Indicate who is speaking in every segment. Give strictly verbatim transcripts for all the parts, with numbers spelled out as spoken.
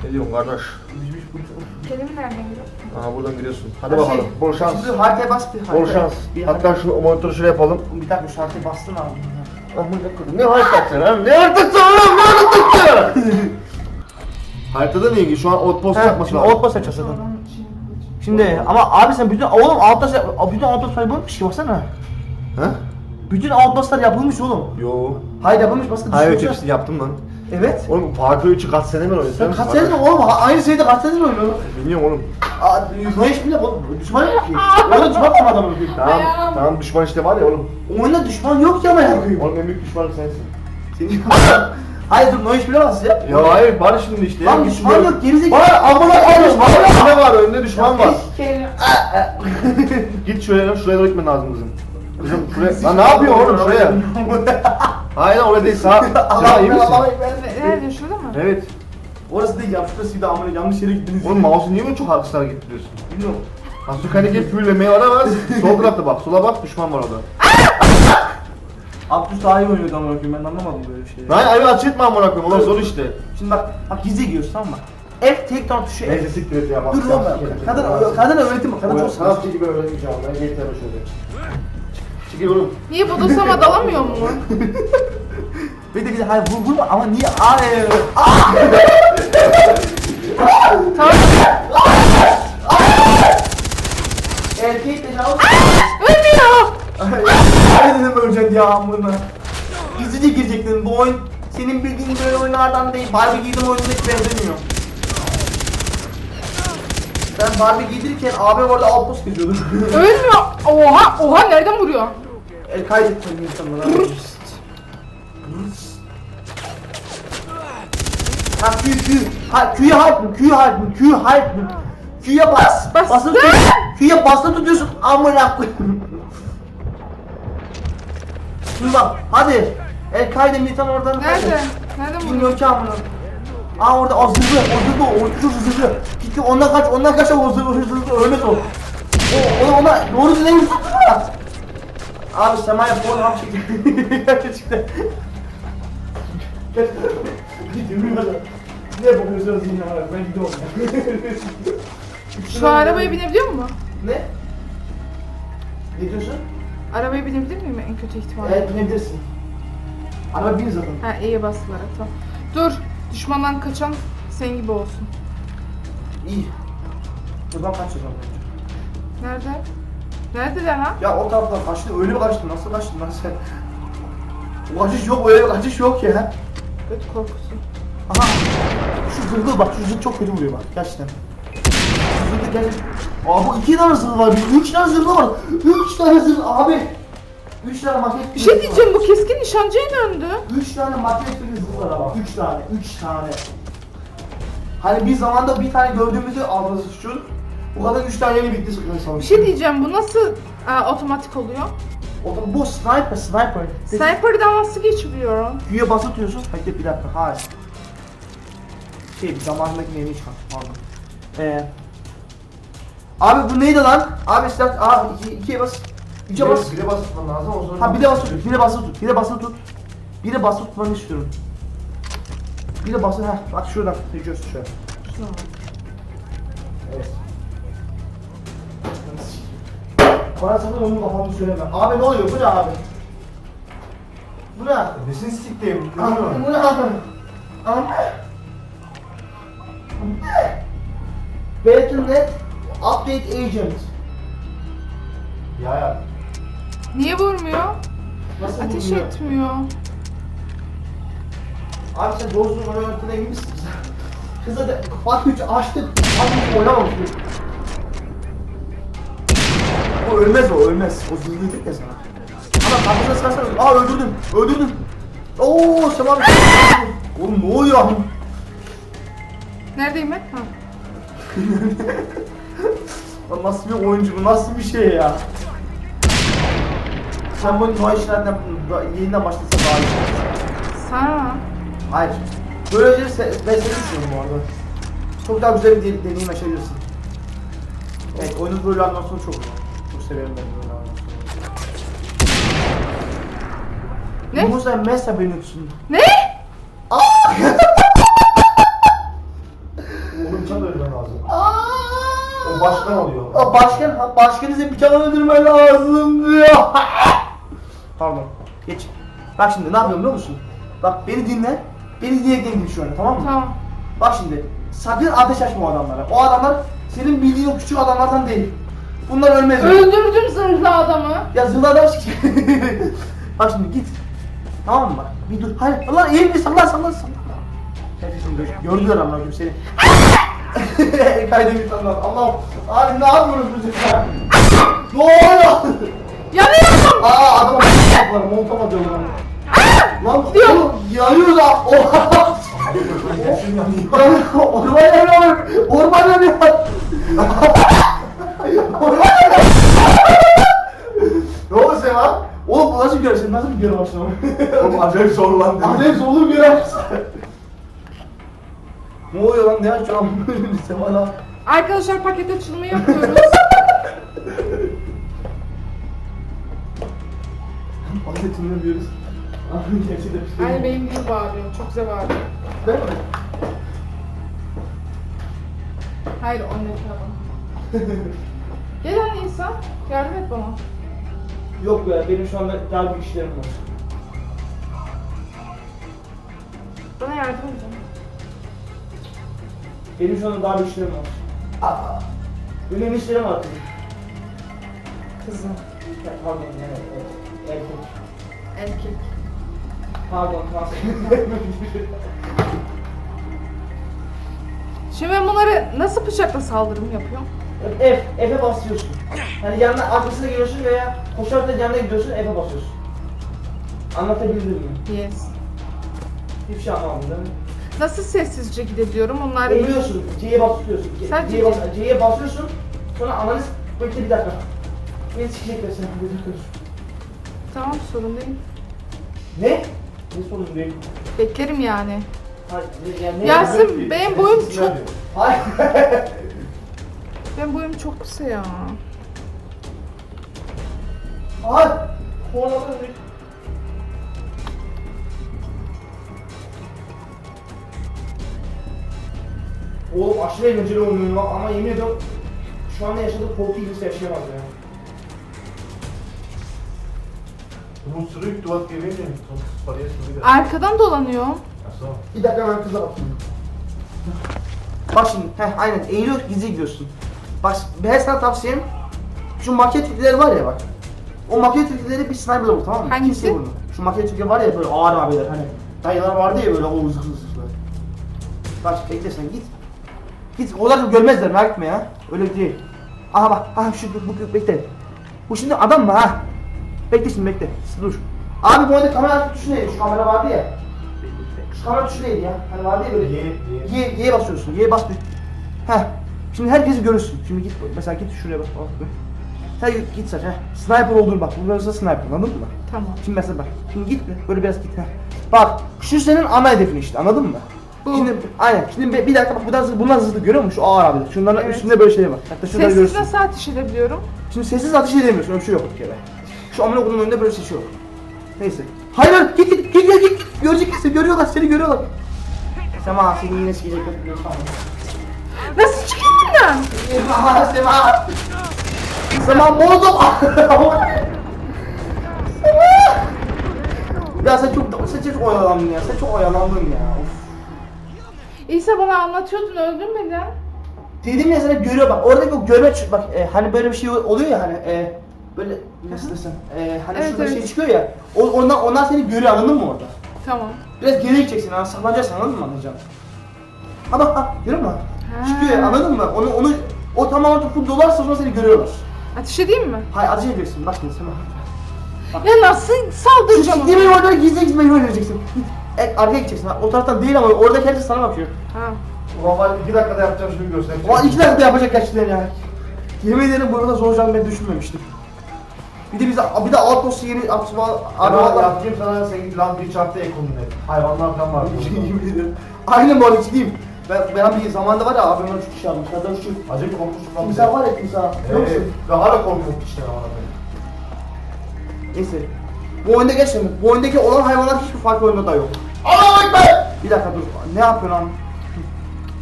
Speaker 1: Ne diyorsun kardeş?
Speaker 2: Kelimi nereden giriyor?
Speaker 1: Aha buradan giriyorsun. Hadi bakalım. Şey, bol şans.
Speaker 3: Şimdi haritaya bas bir harita.
Speaker 1: Bol şans. Bir hatta şu monitörü şöyle yapalım.
Speaker 3: Bir dakika şu haritaya bastın abi.
Speaker 1: Aman ne haritası lan? Ne haritası oğlum? Ne haritası? Haritada ne ilgili? Şu an outpost yapması lazım.
Speaker 3: Outpost yapacağız zaten. Şimdi ama abi sen bütün oğlum outpost bütün outpostlar yapılmış ki baksana.
Speaker 1: He?
Speaker 3: Bütün outpostlar yapılmış oğlum.
Speaker 1: Yo.
Speaker 3: Hayır yapılmış başka
Speaker 1: Hayır
Speaker 3: düşünsene.
Speaker 1: hepsini yaptım lan.
Speaker 3: Evet.
Speaker 1: Oğlum Far Cry üçü kaç sene mi oynuyorsun?
Speaker 3: Sen kaç senedir oğlum aynı şeyde kaç senedir oynuyorsun?
Speaker 1: Bilmiyorum oğlum.
Speaker 3: Aa, ne iş bile oğlum düşman yok ki. Orada düşman kim adamı yok.
Speaker 1: Tamam, tamam düşman işte var ya oğlum.
Speaker 3: Oyunda düşman yok ya ama yapayım.
Speaker 1: Oğlum en büyük düşmanı sensin.
Speaker 3: Senin hayır dur ne iş bilemez ya.
Speaker 1: Ya hayır var şimdi işte.
Speaker 3: Lan düşman yok gerizekalı.
Speaker 1: Var amına koymuş. Var ne var önünde düşman var.
Speaker 3: Kelime.
Speaker 1: Git şuraya şuraya doğru gitmen lazım kızım. Kızım şuraya. Lan ne yapıyor oğlum şuraya? Hayır lan oraya değil sağ. Sağ iyi misin?
Speaker 2: Nerede? Şurada mı?
Speaker 1: Evet.
Speaker 3: Orası değil ya şurası bir de amına yanlış yere gittiniz.
Speaker 1: Oğlum mouse'u niye böyle çok haksız hareket ediyorsun?
Speaker 3: Bilmiyorum.
Speaker 1: Hasukani'ye fulllemeye varamaz. Sol tarafta bak. Sola bak düşman var orada.
Speaker 3: Abdüs daha iyi oynuyordu amına koyayım ben anlamadım böyle şeyleri.
Speaker 1: Lan ayı aç etme amına koyayım. Ulan zor işte.
Speaker 3: Şimdi bak bak gizli giriyorsun tamam mı? F tek down tuşu F.
Speaker 1: Neyse siktir et ya bak.
Speaker 3: Dur oğlum kadın kadın öğretim bak kadın çok sıkıntı.
Speaker 1: Sanatçı gibi öğreteceğim ben. Yeter şöyle. Çıkıyor oğlum.
Speaker 2: Niye bodoslama dalamıyor mu?
Speaker 3: Bir de bir de hayır vur vurma ama niye ay
Speaker 2: Tamam.
Speaker 3: erkek de cevap
Speaker 2: Ölmüyor.
Speaker 3: ay dedim öleceksin ya amına. Gizlice girecektin bu oyun senin bildiğin böyle oyunlardan değil. Barbie giydim oyununa hiç benzemiyor. Ben Barbie giydirirken abi orada outpost geziyordum.
Speaker 2: Ölmüyor. Oha. Oha nereden vuruyor?
Speaker 3: El kaydetmedim insanlara. Ha Q Q. Ha Q'ye hype mı? Q'ye hype mı? Q hype mı? Q'ye bas.
Speaker 2: Bas.
Speaker 3: Basılı tut. Q'ye basılı tutuyorsun. Amına koyayım. Şimdi bak hadi. El kaydı militan oradan.
Speaker 2: Nerede? Nereden vuruyor?
Speaker 3: Bilmiyorum ki amına. Aa orada o zırhlı, o zırhlı, o çok zırhlı. Gitti ondan kaç, ondan kaç o zırhlı, zırhlı, ölmez o. O, ona, ona doğru düzgün vursun. Abi semaya bol ham çekti. Çıktı. Ne bakıyorsunuz yine var? Ben gidiyorum.
Speaker 2: Şu arabaya binebiliyor mu?
Speaker 3: Ne? Ne diyorsun?
Speaker 2: Arabaya binebilir miyim en kötü ihtimalle?
Speaker 3: Evet binebilirsin. Araba bin zaten.
Speaker 2: Ha E'ye basılarak tamam. Dur. Düşmandan kaçan sen gibi olsun.
Speaker 3: İyi. Buradan kaçacağım bence.
Speaker 2: Nerede? Neredeler ha?
Speaker 3: Ya o taraftan kaçtın, öyle mi kaçtın? Nasıl kaçtın lan sen? O kaçış yok, öyle bir kaçış yok ya.
Speaker 2: Kötü korkusu.
Speaker 3: Aha! Şu zırhlı bak, şu zırh çok kötü vuruyor bak, gerçekten. Şu zırhlı gerçekten... Aa bu iki tane zırhlı var, bir üç tane zırhlı var. Üç tane zırhlı abi! Üç tane maket...
Speaker 2: Bir şey diyeceğim bu keskin nişancıya döndü.
Speaker 3: Üç tane maket bir zırhlı var ama, üç tane, üç tane. Hani bir zamanda bir tane gördüğümüzü alması şu. O kadar üç tane yeni bitti sıkıntı.
Speaker 2: Bir şey diyeceğim bu nasıl aa, otomatik oluyor?
Speaker 3: O da bu sniper, sniper.
Speaker 2: Sniper'dan nasıl geçiliyor?
Speaker 3: Güye bas atıyorsun. Bekle bir dakika. Hayır. Şey zamanındaki neyini çıkar. Pardon. Ee. Abi bu neydi lan? Abi silah. Aa iki, ikiye bas. Üçe bas.
Speaker 1: Bire bas tutman lazım. O sonra...
Speaker 3: Ha bir de bas tut. Bir de bas tut. Bir de bas tut. Bir de bas tutmanı istiyorum. Bir de bas. Ha bak şuradan. Seçiyorsun şöyle. Evet. Bana sakın onun kafamı söyleme. Abi ne oluyor? Bu ne abi? Bu ne?
Speaker 1: Nesini siktim?
Speaker 3: Abi, bu ne abi? Abi. Battle.net Update Agent.
Speaker 1: Ya ya.
Speaker 2: Niye vurmuyor?
Speaker 3: Nasıl
Speaker 2: Ateş
Speaker 3: bulunuyor?
Speaker 2: etmiyor.
Speaker 3: Abi sen doğru düzgün oynadığına emin misin? Kıza da Fatih üç açtık. Abi oynamamış. O ölmez o ölmez. O zırhlıdır ya sana. Ama kafasına sıkarsan aa öldürdüm. Öldürdüm. Ooo Sema abi. Oğlum ne oluyor?
Speaker 2: Neredeyim ben? Ha.
Speaker 3: Lan nasıl bir oyuncu bu? Nasıl bir şey ya? Sen bu Noa işlerden yeniden başlasa daha iyi.
Speaker 2: Sana.
Speaker 3: Hayır. Böylece se- ben seni düşünüyorum bu arada. Çok daha güzel bir de- deneyim yaşayabilirsin. Evet, oyunun böyle anlatsını çok çok severim ben böyle anlatsını.
Speaker 2: Ne?
Speaker 3: Bu sen Mesa Benutsun.
Speaker 2: Ne?
Speaker 3: Aa!
Speaker 1: Onu bıçak öldürmen lazım.
Speaker 3: Aa!
Speaker 1: O başkan oluyor.
Speaker 3: Aa, başkan, ha, başkanı size bıçak öldürmen lazım diyor. Pardon, geç. Bak şimdi ne yapıyorum biliyor musun? Bak beni dinle. Beni dinleyekten git şu anda, tamam mı?
Speaker 2: Tamam.
Speaker 3: Bak şimdi, sakın ateş açma o adamlara. O adamlar senin bildiğin o küçük adamlardan değil. Bunlar ölmez.
Speaker 2: Öldürdüm zırhlı adamı.
Speaker 3: Ya zırhlı adam Bak şimdi git. Tamam mı bak? Bir dur. Hayır. Allah iyi bir sallan sallan sallan. Herkesin gör. Gördüler amına koyayım seni. Kaydemi sallan. Allah. Abi ne yapıyoruz biz ya? Ne oluyor?
Speaker 2: Yanıyorum.
Speaker 3: Aa adam var. Montam atıyor lan. Lan
Speaker 2: Diyor.
Speaker 3: oğlum yanıyor da. Oha. Orman yanıyor. Orman yanıyor. Orman yanıyor. Ne oldu Sema? Oğlum bu nasıl bir görev? Sen nasıl bir görev başlamak?
Speaker 1: Oğlum acayip zorlandım.
Speaker 3: Acayip zorlu bir görev. Ne oluyor lan? Ne açıyor lan? Sema lan.
Speaker 2: Arkadaşlar paket açılımı yapıyoruz.
Speaker 3: Paketini yapıyoruz. Abi gerçekten bir şey
Speaker 2: Aynı
Speaker 3: yok.
Speaker 2: benim gibi bağırıyor. Çok güzel bağırıyor.
Speaker 3: Değil mi?
Speaker 2: Hayır o ne tamam. Gel anne İsa. Yardım et bana.
Speaker 3: Yok be, benim şu anda daha büyük işlerim var.
Speaker 2: Bana yardım edin.
Speaker 3: Benim şu anda daha büyük işlerim var. Aa, önemli işlerim var kızım.
Speaker 2: Kızım.
Speaker 3: Ya, pardon, yani, evet, erkek.
Speaker 2: Erkek.
Speaker 3: Pardon, tamam.
Speaker 2: Şimdi ben bunları nasıl bıçakla saldırım yapıyorum?
Speaker 3: F, F'e basıyorsun. Yani yanına arkasına geliyorsun veya koşarak da yanına gidiyorsun, F'e basıyorsun. Anlatabildim mi?
Speaker 2: Yes.
Speaker 3: Hiçbir şey anlamadım değil mi?
Speaker 2: Nasıl sessizce gidebiliyorum? Onlar
Speaker 3: Eğiliyorsun, C'ye basıyorsun.
Speaker 2: Sen
Speaker 3: C'ye
Speaker 2: C'ye-
Speaker 3: bas, C'ye basıyorsun, sonra analiz, bekle bir dakika. Beni sikecekler seni, bir dakika.
Speaker 2: Tamam sorun değil.
Speaker 3: Ne? Ne sorun değil?
Speaker 2: Beklerim yani.
Speaker 3: Hayır, yani ne?
Speaker 2: Yasin benim boyum çok...
Speaker 3: Hayır.
Speaker 2: Benim boyum çok kısa ya.
Speaker 3: Hayır. Kornadan bir... Oğlum aşırı eğlenceli oynuyorum ama yemin ediyorum şu anda yaşadığım korku ilgisi yaşayamaz ya.
Speaker 1: Bunun sürüyü duvat gibi mi? Paraya sürüyü de.
Speaker 2: Arkadan dolanıyor.
Speaker 1: Nasıl?
Speaker 3: Bir dakika ben kıza bakayım. Bak şimdi, heh aynen eğiliyor gizli gidiyorsun. Bak ben sana tavsiyem şu maket tilkileri var ya bak. O maket tilkileri bir sniper'la vur tamam mı?
Speaker 2: Hangisi?
Speaker 3: Kimseye vurma. Şu maket tilkileri var ya böyle ağır abiler hani. Dayılar vardı ya böyle o zıh zıh zıh böyle. Bak bekle sen git. Git onlar görmezler merak etme ya. Öyle değil. Aha bak aha şu bu, bu bekle. Bu şimdi adam mı ha? Bekle şimdi bekle. Dur. Abi bu arada kamera tuşu neydi? Şu kamera vardı ya. Şu kamera tuşu neydi ya? Hani vardı ya böyle.
Speaker 1: Y, Y.
Speaker 3: Y, Y'ye basıyorsun. Y'ye bas bir. Heh. Şimdi herkesi görürsün. Şimdi git mesela git şuraya bak. bak. Sen git saç heh. Sniper olur bak. Bu biraz da sniper anladın mı?
Speaker 2: Tamam.
Speaker 3: Şimdi mesela bak. Şimdi git bir, böyle biraz git heh. Bak şu senin ana hedefin işte anladın mı?
Speaker 2: Bu.
Speaker 3: Şimdi aynen. Şimdi bir, bir dakika bak bunlar bunlar hızlı görüyor musun? Şu ağır abiler. Şunların
Speaker 2: Evet.
Speaker 3: üstünde böyle şey var. Hatta şurada
Speaker 2: Sessiz
Speaker 3: görürsün.
Speaker 2: nasıl ateş edebiliyorum?
Speaker 3: Şimdi sessiz ateş edemiyorsun. Öyle bir şey yok bir kere. Şu amına koyduğun önünde böyle bir şey yok. Neyse. Hayır hayır git git git git git. Görecekler seni görüyorlar seni görüyorlar. Sema seni yine sikecekler.
Speaker 2: Nasıl çıkayım buradan?
Speaker 3: Sema Sema. Sema bozdum. Sema. Ya sen çok sen çok oyalandın ya. Sen çok oyalandın ya. Of.
Speaker 2: İsa bana anlatıyordun öldürmeden.
Speaker 3: Dedim ya sana görüyor bak. Oradaki o görme ç- bak e, hani böyle bir şey oluyor ya hani e, böyle nasıl desem e, hani
Speaker 2: Evet,
Speaker 3: şurada
Speaker 2: evet.
Speaker 3: şey çıkıyor ya. O, ondan onlar seni görüyor anladın mı orada?
Speaker 2: Tamam.
Speaker 3: Biraz geri gideceksin ha saklanacaksın anladın mı anlayacağım? Ha bak ha görüyor musun?
Speaker 2: Ha.
Speaker 3: Çıkıyor ya anladın mı? Onu onu o tamamen topu dolarsa sonra seni görüyorlar.
Speaker 2: Ateş edeyim mi?
Speaker 3: Hayır ateş ediyorsun bak şimdi sen bak.
Speaker 2: Ya nasıl saldıracağım?
Speaker 3: Şu gitmeyi oradan gizli gizli beni öldüreceksin. Git. E, arkaya gideceksin ha. O taraftan değil ama orada herkes sana bakıyor.
Speaker 2: Ha.
Speaker 1: Ulan ben iki dakikada yapacağım şimdi göstereceğim.
Speaker 3: Ama iki dakikada yapacak gerçekten ya. Yemin ederim burada zor olacağını ben düşünmemiştim. Bir de bize bir de outpost'u yeni atma
Speaker 1: Abi
Speaker 3: arabalar.
Speaker 1: yapayım sana sen git lan bir çarptı ekonomi. Hayvanlar falan var.
Speaker 3: Yemin ederim. Aynen bu arada ciddiyim. Ben, ben bir zamanda var ya abimden üç kişi almış. Hatta şu
Speaker 1: Acayip korkmuştum lan.
Speaker 3: timsah var ya timsah. Biliyor
Speaker 1: Evet.
Speaker 3: musun?
Speaker 1: Ve hala korkuyorum işte ama.
Speaker 3: Neyse. Bu oyunda geçmedim. Bu oyundaki olan hayvanlar hiçbir farklı oyunda da yok. Allah'a ekber! Bir dakika dur. Ne yapıyorsun lan?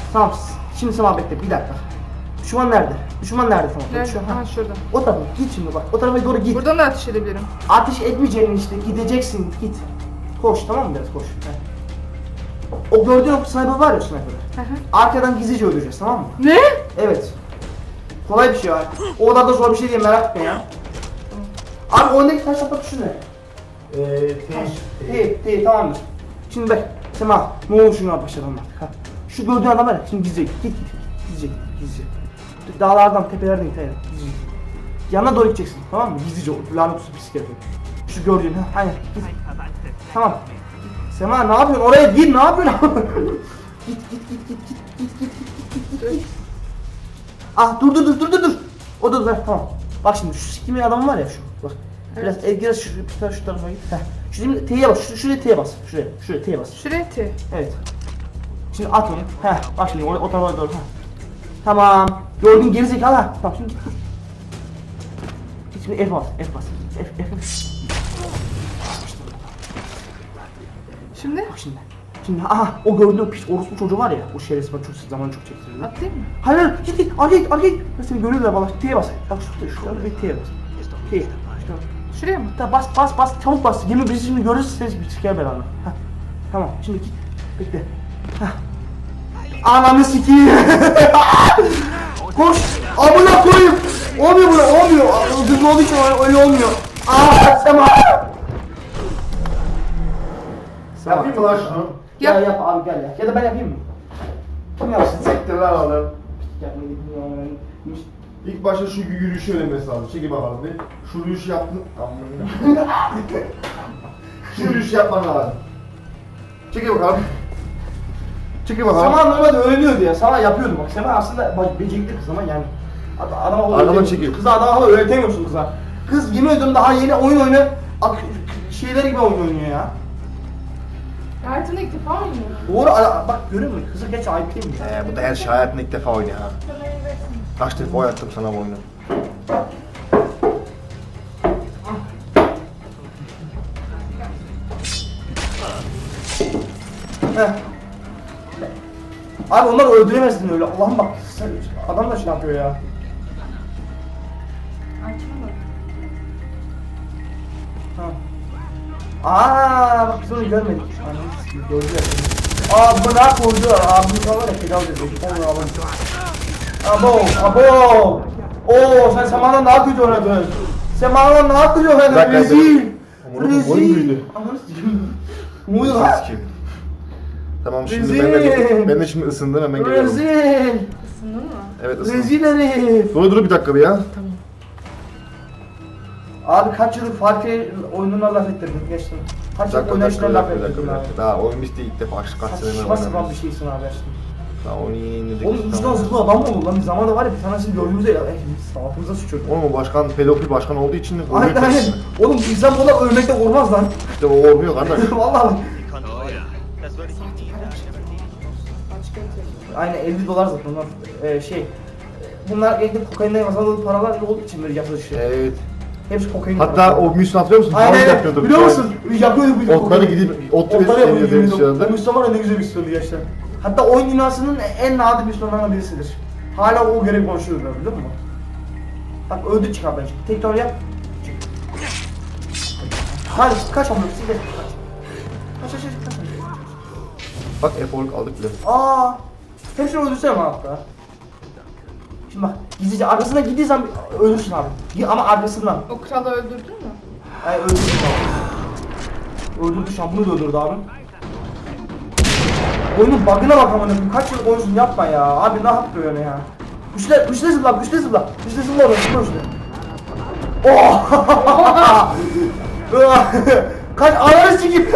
Speaker 3: Tamam. Şimdi Sema bekle bir dakika. Düşman nerede? Düşman nerede tamam?
Speaker 2: Nerede?
Speaker 3: Düşman,
Speaker 2: Aha şurada.
Speaker 3: O tarafa git şimdi bak. O tarafa doğru git.
Speaker 2: Buradan da ateş edebilirim.
Speaker 3: Ateş etmeyeceğini işte gideceksin git. Koş tamam mı biraz koş. Heh. O gördüğün o sniper var ya sniper.
Speaker 2: Hı hı.
Speaker 3: Arkadan gizlice öldüreceğiz tamam mı?
Speaker 2: Ne?
Speaker 3: Evet. Kolay bir şey var. O kadar da zor bir şey değil merak etme ya. Abi oyundaki taş atma tuşu ne?
Speaker 1: Eee
Speaker 3: Taş. Değil, değil tamamdır. Şimdi bak Sema ne olur şunu başlayalım artık ha. Şu gördüğün adam var ya şimdi gizlice git git git gizlice git gizlice. Dağlardan tepelerden git hayır gizlice. Yanına doğru gideceksin tamam mı? Gizlice o lanet olsun pislik herif. Şu gördüğün ha aynen git. Tamam. Sema ne yapıyorsun oraya gir ne yapıyorsun? Git git git git git git git git git git. Ah dur dur dur dur dur dur. O da dur tamam. Bak şimdi şu sikimin adamı var ya şu. Bak. Biraz evet. Biraz şu, biraz şu tarafa git. Heh. Şimdi T'ye bas. Şu, şuraya T'ye bas. Şuraya. Şuraya T'ye bas.
Speaker 2: Şuraya T.
Speaker 3: Evet. Şimdi at onu. Heh. Bak şimdi o, o tarafa doğru. Heh. Tamam. Gördün gerizekalı ha. Tamam şimdi git. Git şimdi F bas. F bas. F F F.
Speaker 2: Şimdi
Speaker 3: Bak şimdi. Şimdi aha o gördüğün o piç orospu çocuğu var ya. O şerefsiz bak çok zaman çok çektirdi.
Speaker 2: atlayayım mı?
Speaker 3: Hayır hayır git git arkaya git arkaya git. Ben seni görüyorlar bana T'ye bas. Bak şu şurada bir T'ye bas. T. Şurada.
Speaker 2: Şuraya mı?
Speaker 3: Hatta bas bas bas çabuk bas. Yemin bizi şimdi görürüz ses bir siker belanı. Heh. Tamam şimdi git. Bekle. Heh. Ananı sikeyim. Koş. Amına koyayım. Olmuyor böyle olmuyor. Hızlı olduğu için öyle, öyle olmuyor. Aaa Sema.
Speaker 1: Yapayım mı lan şunu?
Speaker 3: Ya
Speaker 2: Yap.
Speaker 3: yap abi gel ya. Ya da ben yapayım mı? Kim yapsın?
Speaker 1: Siktir lan oğlum.
Speaker 3: Yapmayı bilmiyorum.
Speaker 1: İlk başta şu yürüyüşü öğrenmesi lazım. Çekil bakalım bir. Şu yürüyüşü yaptın. Amına. Şu yürüyüşü yapman lazım. Çekil bakalım. Çekil bakalım.
Speaker 3: Sema normalde öğreniyordu ya. Sema yapıyordu bak. Sema aslında bak becerikli kız ama yani. Ad- Adama
Speaker 1: Arkadan
Speaker 3: öğretemiyorsun.
Speaker 1: çekiyor.
Speaker 3: Kıza adama öğretemiyorsun kıza. Kız yemin ediyorum daha yeni oyun oynuyor. Ak- şeyler gibi oyun oynuyor ya.
Speaker 2: Hayatımda ilk defa oynuyorum.
Speaker 3: Doğru ara- bak görüyor musun? Kıza geç ayıp değil mi?
Speaker 1: Ee, bu da her şey hayatında ilk defa oynuyor ha. Kaç defa oynattım sana bu oyunu.
Speaker 3: Heh. Abi onları öldüremezsin öyle. Allah'ım bak sen, adam da şey yapıyor ya.
Speaker 2: Açma
Speaker 3: Tamam. Aa bak biz onu görmedik. Anladın siz gördüler. Aa bu ne koydu? Aa bu var ya pedal dedi. Onu alalım. Abo abo. Oo sen Sema'dan daha kötü oynadın. Sema'dan daha kötü oynadın.
Speaker 1: Bak,
Speaker 3: Rezil.
Speaker 1: Amına koyayım, boyun büyüdü.
Speaker 3: Ananı sikeyim. Muydu lan?
Speaker 1: Sikim. Tamam şimdi ben de,
Speaker 3: Rezil.
Speaker 1: ben de şimdi ısındım hemen geliyorum.
Speaker 3: Rezil.
Speaker 2: Isındın mı?
Speaker 1: Evet ısındım.
Speaker 3: Rezil herif.
Speaker 1: Dur dur bir dakika bir ya.
Speaker 2: Tamam.
Speaker 3: Abi kaç yıldır Farkı oyununa laf ettirdin geçtim. Kaç
Speaker 1: Bir
Speaker 3: yıldır
Speaker 1: dakika bir dakika
Speaker 3: oynayışına
Speaker 1: bir
Speaker 3: laf
Speaker 1: dakika bir dakika.
Speaker 3: ettirdin
Speaker 1: bir
Speaker 3: abi.
Speaker 1: dakika. Daha oyun bitti ilk defa kaç kaç senedir
Speaker 3: Saçma sapan bir
Speaker 1: oynamıyoruz.
Speaker 3: şeysin abi aşkım.
Speaker 1: Daha oyunu yeni indirdik.
Speaker 3: Oğlum
Speaker 1: işte,
Speaker 3: bizden
Speaker 1: tamam.
Speaker 3: zırhlı adam mı olur lan? Bir zamanda var ya bir tanesini gördüğümüzde ya sağlığımıza sıçıyordu.
Speaker 1: Oğlum o başkan pedofil başkan olduğu için
Speaker 3: Aynen
Speaker 1: oyunu
Speaker 3: aynen. Oğlum bizden bu da ölmekte olmaz lan.
Speaker 1: İşte o olmuyor kardeş.
Speaker 3: Vallahi.
Speaker 2: Başka bir şey.
Speaker 3: Aynen elli dolar zaten onlar. Ee, şey. Bunlar evde kokainden kazandığı paralar olduğu için böyle yapılış.
Speaker 1: Evet.
Speaker 3: Hepsi kokain.
Speaker 1: Hatta
Speaker 3: paraları.
Speaker 1: o Müslüman hatırlıyor musun?
Speaker 3: Aynen
Speaker 1: Falan
Speaker 3: aynen.
Speaker 1: yapıyordu.
Speaker 3: Biliyor musun? Yapıyordu bu
Speaker 1: Otları gidip ot
Speaker 3: Otları
Speaker 1: üretip
Speaker 3: yapıyordu.
Speaker 1: deniyor şu
Speaker 3: O
Speaker 1: anda.
Speaker 3: Müslüman var ya ne güzel bir istiyordu gerçekten. Hatta oyun dünyasının en nadir Müslümanlarından birisidir. Hala o görev konuşuyorlar biliyor musun? Bak öldü çıkar bence. Tekrar yap. Çık. Hadi kaç amına siz de kaç. Kaç kaç kaç kaç.
Speaker 1: Bak efor aldık bile.
Speaker 3: Aa, hepsini öldürsene bana hatta. Şimdi bak gizlice arkasına gittiği zaman ölürsün abi. Gi- Ama arkasından.
Speaker 2: O kralı öldürdün mü?
Speaker 3: Ay öldürdü abi. Öldürdü şu an bunu da öldürdü abi. Oyunun bug'ına bak amına koyayım. Kaç yıl oyuncusun yapma ya. Abi ne yapıyor yani ya? Güçle, güçle zıpla, güçle zıpla. Güçle zıpla oraya, zıpla işte. Oh! Kaç ananı sikeyim.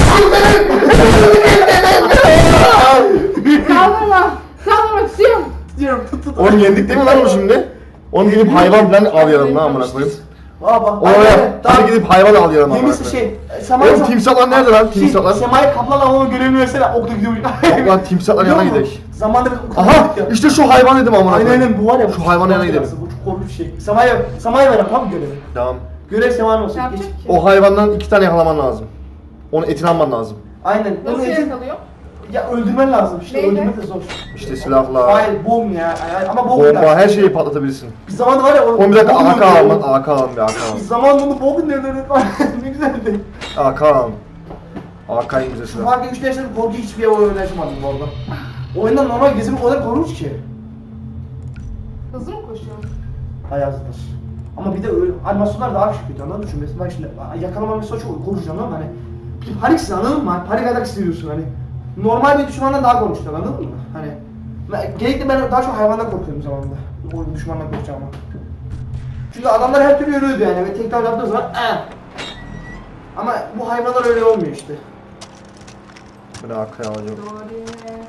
Speaker 2: Kaldırma! Kaldırmak istiyorum!
Speaker 3: Diyorum tut tut.
Speaker 1: Onu yendik değil mi lan o şimdi? Onu gidip hayvan falan al yanına amına koyayım.
Speaker 3: Aa bak.
Speaker 1: Oraya hadi gidip hayvan al yanına amına
Speaker 3: Temizli
Speaker 1: koyayım.
Speaker 3: şey. Sema'yı
Speaker 1: Oğlum timsahlar nerede lan? Timsahlar.
Speaker 3: Sema'yı kaplan avlama görevini versene. Okta gidiyor.
Speaker 1: Yok lan timsahlar
Speaker 3: Biliyor
Speaker 1: yanına
Speaker 3: musun?
Speaker 1: gidelim.
Speaker 3: Zamanda bir okta
Speaker 1: Aha
Speaker 3: gittik ya.
Speaker 1: işte şu hayvan dedim amına
Speaker 3: Aynen
Speaker 1: koyayım.
Speaker 3: aynen bu var ya. bu
Speaker 1: Şu hayvanın yanına gidelim.
Speaker 3: Bu çok korkunç bir şey. Sema'ya Sema'ya ver tam görevi.
Speaker 1: Tamam.
Speaker 3: Görev Sema'nın
Speaker 2: Ne
Speaker 3: olsun.
Speaker 2: yapacak
Speaker 3: Geç.
Speaker 2: ki?
Speaker 1: O hayvandan iki tane yakalaman lazım. Onu etini alman lazım.
Speaker 3: Aynen.
Speaker 2: Nasıl
Speaker 3: Onu etin-
Speaker 2: yakalıyor?
Speaker 3: ya öldürmen lazım işte,
Speaker 2: Neyle?
Speaker 3: öldürmek de zor.
Speaker 1: İşte silahla,
Speaker 3: Hayır, bom ya, Hayır, ama bom
Speaker 1: bomba,
Speaker 3: ya.
Speaker 1: her şeyi patlatabilirsin.
Speaker 3: Bir zaman var ya, o
Speaker 1: Oğlum bir dakika
Speaker 3: bom
Speaker 1: A K
Speaker 3: öldürüyor.
Speaker 1: alın, A K alın bir A K
Speaker 3: Bir
Speaker 1: alın.
Speaker 3: zaman bunu bom nereden var? Ne güzeldi.
Speaker 1: A K alın. A K en güzel
Speaker 3: Şu
Speaker 1: silah.
Speaker 3: farkı üç yaşında korku hiçbir oyun oynayamadım bu arada. Oyundan normal gezimi o kadar korkunç ki.
Speaker 2: Hızlı mı koşuyor?
Speaker 3: Hayatdır. Ama bir de öyle animasyonlar daha kötü, anladın mı? Çünkü mesela bak şimdi yakalama mesela çok korkunç, anladın mı? Hani bir paniksin, anladın mı? Hani panik atak hissediyorsun hani. Normal bir düşmandan daha korkunç, anladın mı? Hani ben- genellikle ben daha çok hayvandan korkuyorum zamanında. O düşmandan korkacağım ama. Çünkü adamlar her türlü ölüyordu yani ve tekrar yaptığı zaman eh. Ama bu hayvanlar öyle olmuyor işte.
Speaker 1: Ben A K alacağım.
Speaker 2: Doğru yine.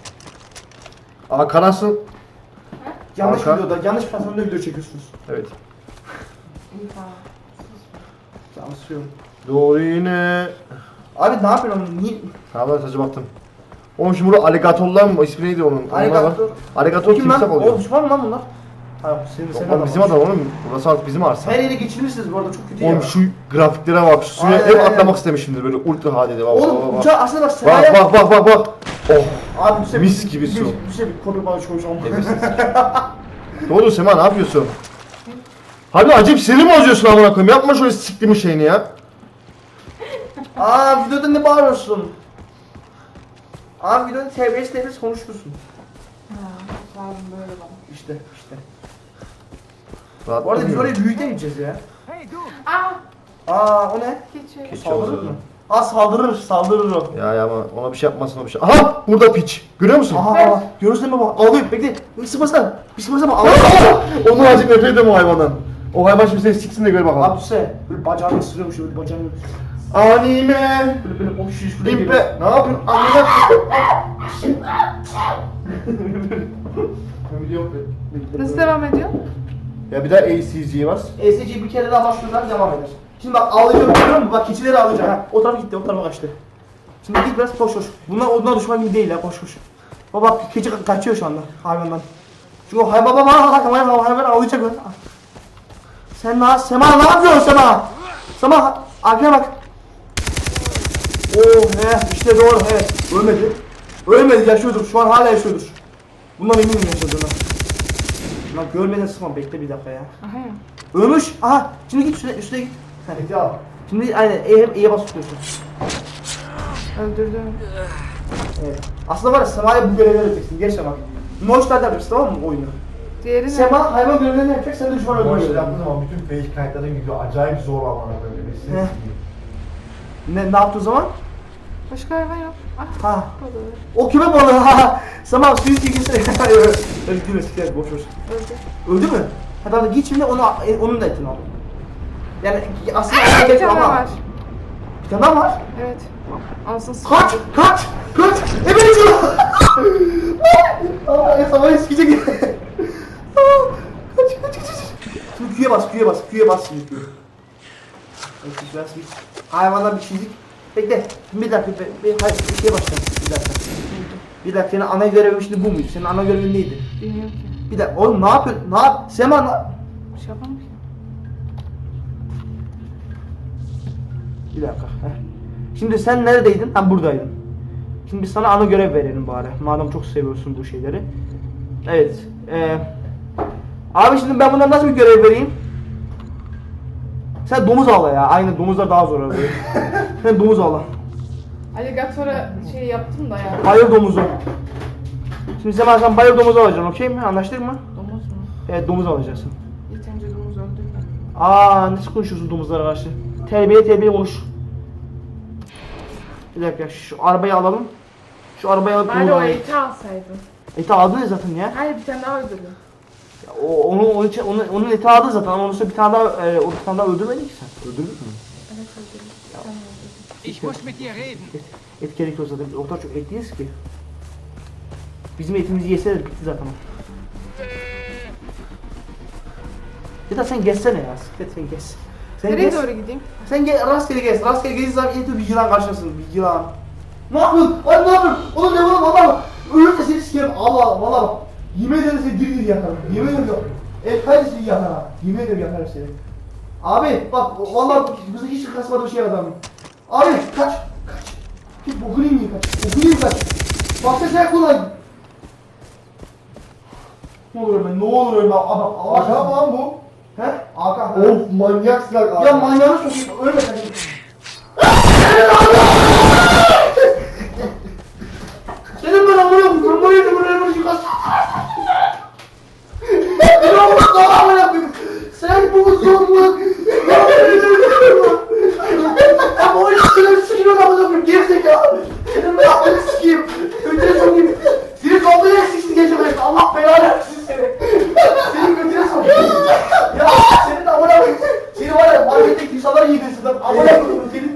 Speaker 1: A K nasıl?
Speaker 3: Yanlış
Speaker 1: Hakan.
Speaker 3: videoda, yanlış platformda video çekiyorsunuz.
Speaker 1: Evet.
Speaker 2: İyi tamam.
Speaker 3: Yanlışlıyorum.
Speaker 1: Doğru yine.
Speaker 3: Abi ne yapıyorsun? Niye?
Speaker 1: Tamam ben sadece baktım. Oğlum şimdi burada aligatorlar mı? İsmi neydi onun? Onlar var.
Speaker 3: Aligator.
Speaker 1: Aligator
Speaker 3: Kim lan?
Speaker 1: timsah
Speaker 3: O
Speaker 1: oluyor.
Speaker 3: düşman mı lan bunlar? Hayır, senin, senin
Speaker 1: Oğlum bizim adam oğlum. Burası artık bizim arsa.
Speaker 3: Her yere geçirmişsiniz bu arada, çok kötü ya.
Speaker 1: Oğlum şu grafiklere bak, şu suya
Speaker 3: Aynen,
Speaker 1: hep
Speaker 3: aynen.
Speaker 1: atlamak istemişimdir böyle ultra H D'de bak bak
Speaker 3: Oğlum
Speaker 1: bak.
Speaker 3: uçağı aslında bak
Speaker 1: Bak
Speaker 3: Sema'ya...
Speaker 1: bak bak bak bak. Oh.
Speaker 3: Abi bir şey,
Speaker 1: Mis gibi su.
Speaker 3: Bir, bir şey bir konu bana konuşalım.
Speaker 1: Ne oldu Sema, ne yapıyorsun? Abi acayip seni mi bozuyorsun amına koyayım? Yapma şöyle siktiğimi şeyini ya.
Speaker 3: Aa videoda ne bağırıyorsun? Abi videoda terbiyesiz terbiyesiz konuşuyorsun.
Speaker 2: Ha, sağ olun böyle bana.
Speaker 3: İşte işte.
Speaker 1: Rahat
Speaker 3: Bu arada biz
Speaker 1: durmuyor.
Speaker 3: oraya büyükte gideceğiz ya.
Speaker 2: Aa!
Speaker 3: Aa o ne?
Speaker 2: Keçi.
Speaker 1: Keçi
Speaker 3: Saldırır
Speaker 1: oldu.
Speaker 3: mı? Aa saldırır, saldırır o.
Speaker 1: Ya ya ama ona bir şey yapmasın, o bir şey. Aha burada piç. Görüyor musun?
Speaker 3: Aha,
Speaker 2: Evet.
Speaker 3: aha. Görüyorsun değil mi bak? Ağlıyor, bekle. Bir sıfırsana. Bir sıfırsana bak.
Speaker 1: Aa!
Speaker 3: Ağlıyor.
Speaker 1: Onu azıcık nefret ediyorum o hayvandan. O hayvan şimdi seni siksin de gör bakalım.
Speaker 3: Abi düşsene. Böyle bacağını ısırıyormuş, böyle bacağını...
Speaker 1: Anime.
Speaker 3: Böyle böyle o şiş şuraya geliyor.
Speaker 1: İmpe. Ne yapıyorsun? Anime.
Speaker 3: Video yok be.
Speaker 2: Nasıl devam ediyor?
Speaker 1: Ya bir daha A C G var.
Speaker 3: E S C'yi bir kere daha bastığında devam eder. Şimdi bak ağlayacağım, görüyor musun? Bak keçileri ağlayacağım. Ha, o tarafa gitti, o tarafa kaçtı. Şimdi git biraz koş koş. Bunlar ondan düşman gibi değil ya, koş koş. Baba bak keçi ka- kaçıyor şu anda hayvandan. Çünkü o hayvan baba bak hayvan hayvan ağlayacak lan. Sen ne Sema ne yapıyorsun Sema? Sema arkaya bak. Oh he işte doğru evet. Ölmedi. Ölmedi, yaşıyordur. Şu an hala yaşıyordur. Bundan eminim yaşadığına. Lan görmeden sıkma, bekle bir dakika ya.
Speaker 2: Aha ya.
Speaker 3: Ölmüş. Aha. Şimdi git üstüne, üstüne git. Hadi al. Şimdi aynen E'ye E'ye bas tutuyorsun.
Speaker 2: Öldürdüm.
Speaker 3: Evet. Aslında var ya Sema'ya bu görevleri yapacaksın. Gerçekten bak. Noşlar yapacaksın, tamam mı oyunu?
Speaker 2: Diğeri ne?
Speaker 3: Sema hayvan görevlerini yapacak, sen de düşman
Speaker 1: Bu
Speaker 3: öldürüyorsun.
Speaker 1: işleri yaptığın zaman bütün fake kayıtların gidiyor. Acayip zor amına böyle.
Speaker 3: Heh. Ne, ne yaptığı zaman?
Speaker 2: Başka hayvan yok. Ah.
Speaker 3: Ha.
Speaker 2: Balığı.
Speaker 3: O küme balığı ha. Sema suyu çekilsene. Öyle gülme siktir boş boş.
Speaker 2: Öldü.
Speaker 3: Öldü mü? Hadi hadi git şimdi onu, onun da etini al. Yani aslında ona
Speaker 2: Bir
Speaker 3: gerek
Speaker 2: tane
Speaker 3: ama.
Speaker 2: var.
Speaker 3: Bir tane daha var.
Speaker 2: Evet. Alsın sıkı.
Speaker 3: Kaç! Kaç! Kaç! Evet diyor! Allah ya sabah sikecek. Tamam. Kaç kaç kaç kaç. Şimdi Q'ye bas, Q'ye bas, Q'ye bas şimdi Q. Evet, biraz bir hayvandan bir çizik. Bekle. Bir dakika, bir, bir, hayır, bir şeye başlayalım. Bir dakika. Bir dakika, senin ana görevin şimdi bu muydu? Senin ana görevin neydi?
Speaker 2: Bilmiyorum ki.
Speaker 3: Bir dakika, oğlum ne yapıyorsun? Ne yap? Sema ne?
Speaker 2: Bir şey yapamam ki.
Speaker 3: Bir dakika. Heh. Şimdi sen neredeydin? Ben buradaydın. Şimdi biz sana ana görev verelim bari. Madem çok seviyorsun bu şeyleri. Evet. Ee, abi şimdi ben bundan nasıl bir görev vereyim? Sen domuz avla ya. Aynen domuzlar daha zor abi. Sen domuz avla.
Speaker 2: Alligator'a şey yaptım da ya.
Speaker 3: Bayır domuzu. Şimdi sen sen bayır domuzu alacaksın, okey mi? Anlaştık mı?
Speaker 2: Domuz mu?
Speaker 3: Evet, domuz alacaksın.
Speaker 2: İlk önce domuz öldürme.
Speaker 3: Aa, nasıl konuşuyorsun domuzlara karşı? Terbiye terbiye konuş. Bir dakika, şu arabayı alalım. Şu arabayı alıp
Speaker 2: Bari
Speaker 3: domuz
Speaker 2: o
Speaker 3: alalım.
Speaker 2: eti alsaydın.
Speaker 3: Eti aldın ya zaten ya.
Speaker 2: Hayır bir tane daha öldürdüm.
Speaker 3: Ya O, onu, onun, için, onun, onun eti aldın zaten ama onun üstüne bir tane daha, e, o bir tane daha öldürmedin ki sen. Öldürdün mü?
Speaker 2: Evet öldürdüm. Bir tane öldürdüm.
Speaker 4: Ich muss mit dir reden.
Speaker 3: Et, et gerekiyor zaten. O kadar çok et yiyiz ki. Bizim etimizi yeseler bitti zaten. Ya da sen gezsene ya. Siklet sen gez. Sen
Speaker 2: Nereye
Speaker 3: gez.
Speaker 2: doğru gideyim?
Speaker 3: Sen gel rastgele gez. Rastgele gezdiğin zaman en bir yılan karşılasın. Bir yılan. Ne yapıyorsun? Ay ne yapıyorsun? Oğlum ne oğlum Allah. Ölürse seni sikerim. Allah valla bak. Yemin ederim seni diri diri yakarım. Yemin ederim yok. Evet kardeşim yakar ha. Yemin ederim yakarım seni. Abi bak valla bize hiç kasmadığı bir şey adamım. Abi kaç. Kaç. Hiç bokunu yiyeyim kaç. Bokunu yiyeyim kaç. Başka sen kullan. Ne olur ölme, ne olur ölme. Adam, Allah
Speaker 1: Hakan mı lan bu?
Speaker 3: He? Hakan.
Speaker 1: Of manyaksın Hakan.
Speaker 3: Ya manyağını sokayım, ölme sen. Senin ben amına koyayım, ben böyle buraya buraya yıkasın. Ben amına koyayım, amına koyayım. Sen bu zorluk. Ama o ilişkileri sıkıyor amına koyayım, gerizekalı. Senin ben amına sikeyim. Götüne sokayım. Seni kaldığı eksiksiz geçemezsin, Allah belanı versin seni. Seni götüne sokayım. Ya senin de amına koyayım. Seni var ya, marketteki insanlar yiyebilirsin lan. Amına koyayım seni.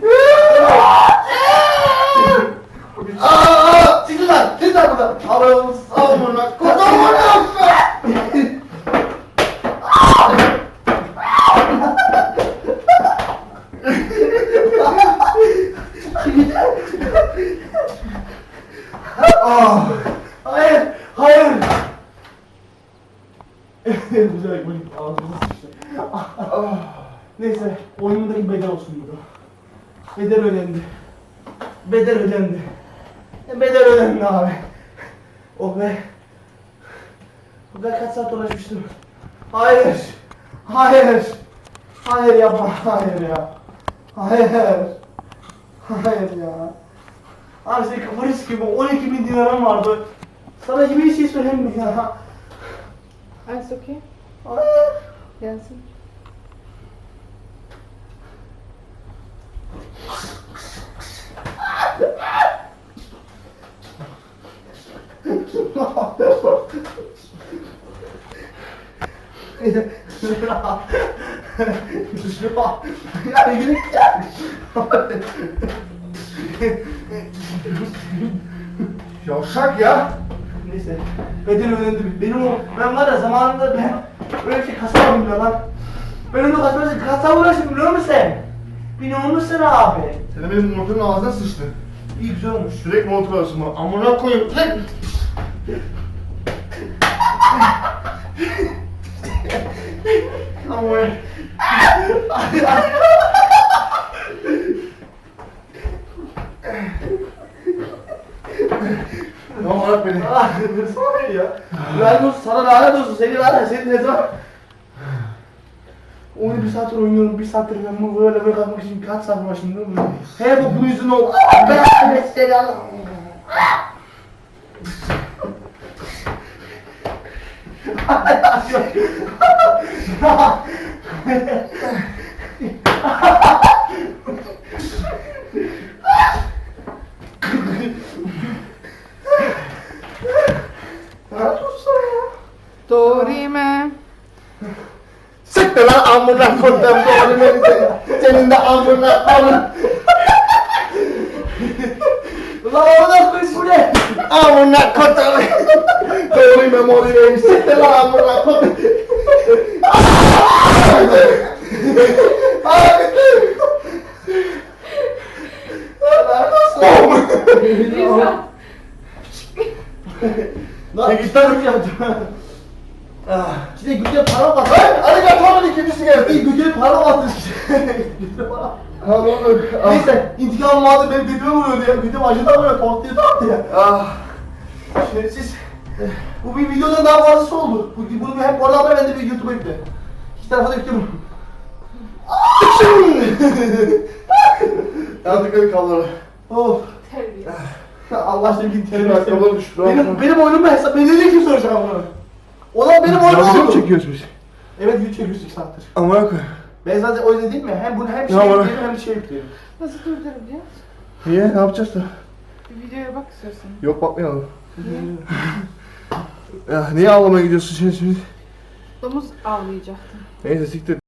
Speaker 3: Aaa! Siktir lan! Siktir lan buradan! Allah'ım sağ ol bana! Kurtar bana! Ah! Hayır! Hayır! Güzel böyle ağzımıza sıçtı. Neyse, oyunumdaki bedel olsun burada. Bedel önemli. Bedel önemli. Bedel önemli abi. Oh be. Ben kaç saat uğraşmıştım. Hayır. Hayır. Hayır yapma. Hayır ya. Hayır. Hayır ya. Abi senin kafanı sikeyim. on iki bin dinarım vardı. Sana gibi bir şey söyleyeyim mi ya?
Speaker 2: Alles okay?
Speaker 3: Hayır.
Speaker 2: Gelsin.
Speaker 1: Yavşak ya.
Speaker 3: Neyse, bedel önemli. Benim o, ben var ya zamanında ben böyle bir şey kasamadım ya lan. Ben onu kasamadım, kasam uğraştım biliyor musun sen? Biliyor musun abi?
Speaker 1: Senin benim motorun ağzına sıçtı.
Speaker 3: İyi güzel olmuş.
Speaker 1: Direkt motor arasında. Amına koyayım. Lan!
Speaker 3: Ama
Speaker 1: Ne olarak beni?
Speaker 3: Ah, sonra ya. Lanet olsun, sana lanet olsun. Seni var ya, seni ne zaman... Oyunu bir saattir oynuyorum, bir saattir ben bunu böyle böyle kalkmak için kaç saat uğraştım değil mi? He bu bunun yüzünden oldu. Ben seni Allah'ım.
Speaker 2: Dorime.
Speaker 1: Siktir lan amına koydum doğru beni senin. Senin de amına amına.
Speaker 3: Ulan oradan koyun bu ne?
Speaker 1: Amına koydum. Doğru memori benim. Siktir lan amına koydum.
Speaker 2: Lisa.
Speaker 3: Lan git lan yapacağım. Ah, şimdi güzel para mı attı?
Speaker 1: Hadi gel tamam ikincisi
Speaker 3: İyi
Speaker 1: geldi.
Speaker 3: güzel para mı attı? Güzel para.
Speaker 1: Ha ne olur.
Speaker 3: Neyse intikam vardı benim götüme vuruyordu ya. Götüm acıdan vuruyor, pot diye attı ya.
Speaker 1: Ah.
Speaker 3: Şimdi siz, bu bir videodan daha fazlası oldu. Bu, bunu hem orada haber ben de bir YouTube'a yükle. İki tarafa da yüklüyorum.
Speaker 1: Hadi hadi kaldır.
Speaker 3: Of.
Speaker 2: Terbiyesiz.
Speaker 3: Allah aşkına gidin
Speaker 1: Benim
Speaker 3: terbiyesiz.
Speaker 1: ayakkabılarım düştü. rahat ol.
Speaker 3: Benim, benim oyunumu hesap, beni ne kim soracak bunu? Olan benim oyunum
Speaker 1: Ya video mu
Speaker 3: oldu.
Speaker 1: çekiyoruz biz?
Speaker 3: Evet video çekiyoruz iki saattir.
Speaker 1: Amına koyayım.
Speaker 3: Ben zaten o yüzden değil mi? Hem bunu hem şey
Speaker 1: Ya bana-
Speaker 3: yüklüyorum hem şey yüklüyorum.
Speaker 2: Nasıl durduracağız?
Speaker 1: Niye? Ne yapacağız da?
Speaker 2: Bir videoya bak istiyorsan.
Speaker 1: Yok bakmayalım. Ya niye ağlamaya gidiyorsun şimdi şimdi?
Speaker 2: Domuz avlayacaktım.
Speaker 1: Neyse siktir.